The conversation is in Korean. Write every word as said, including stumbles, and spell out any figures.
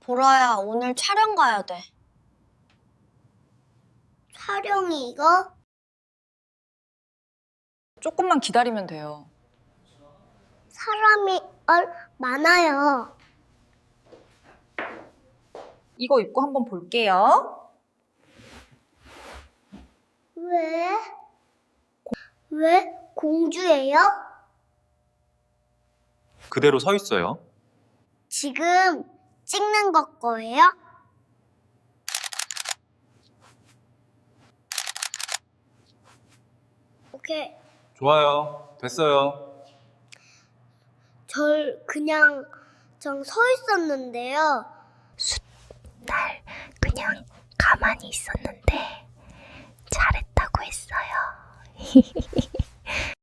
보라야, 오늘 촬영 가야 돼. 촬영이 이거? 조금만 기다리면 돼요. 사람이 얼 많아요. 이거 입고 한번 볼게요. 왜? 왜 공주예요? 그대로 서 있어요. 지금 찍는 거 거예요? 오케이. 좋아요. 됐어요. 절 그냥 전 서 있었는데요. 날 그냥 가만히 있었는데 잘했다고 했어요.